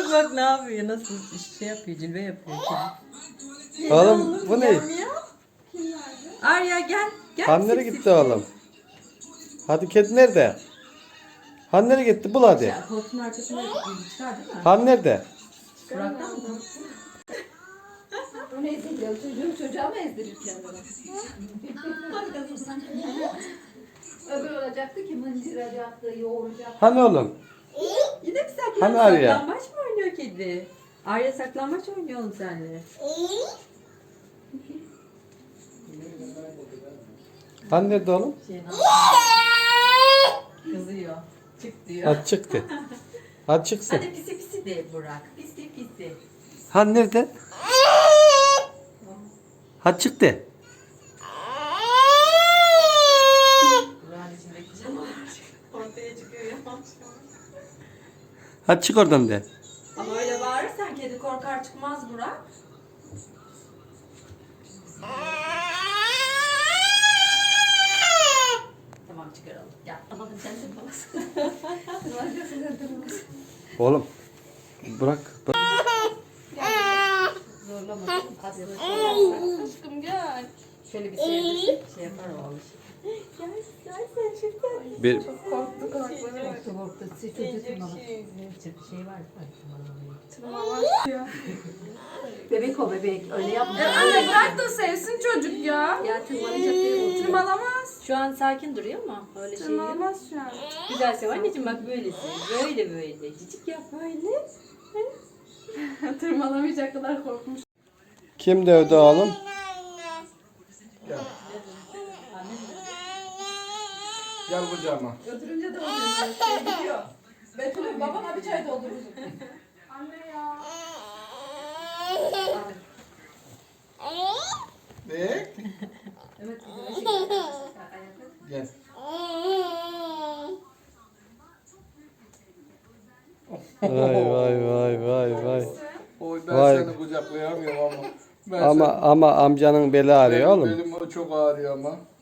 Bak ne yapıyor, nasıl şey yapıyor, cilve yapıyor. Oğlum bu ne? Arya gel. Gel. Han nereye gitti oğlum? Hadi kedi nerede? Han nereye gitti? Bul hadi. Ya, koltuğun arkasına çıkar değil mi? Han nerede? Burak'tan mı? O ne ezdiriyor? Çocuğa mı ezdirir kendini? Öbür olacaktı ki mıncıracaktı, yoğuracaktı. Hani oğlum? Yine mi Hani Arya? saklambaç mı oynuyor kedi? Arya saklambaç oynuyor oğlum seninle. Han nerede oğlum? Kızıyor. Çık diyor. Hadi çıktı. Hadi çıksın. Hadi pisi pisi de Burak. Pisi pisi. Han nerede? Hadi çıktı. Burak'ın içindeki canavar ortaya çıkıyor yavaş. Hadi çık oradan de. Ama öyle bağırırsan kedi korkar çıkmaz Burak. Tamam çıkaralım. Gel. Ama sen de babası. Oğlum. Bırak. Zorlama. Aşkım gel. Şöyle bir sevdirsek şey yapar o alışır. Gel sen şimdi. Bir, Korktu korktu. Siz çocuk şey var. Bebek o bebek. Öyle yapma. Anne bırak da sevsin çocuk ya. Ya tırmanacak değil. Tırmalamaz. Şu an sakin duruyor mu? Öyle şey yok. Tırmalamaz şu an. Güzel sev anneciğim bak böylesin. Böyle böyle. Cicik yap böyle. Tırmalamayacak kadar korkmuş. kim dövdü oğlum? Gel kucağıma. Götürünce de oluyor. Şey gidiyor. Betül'ün babana bir çay doldurur. Anne ya. Ne? Evet. Gel. Vay. Oy ben Vay. seni kucaklayamıyorum ama. Ben Ama amcanın beli ağrıyor benim, oğlum. belim çok ağrıyor ama.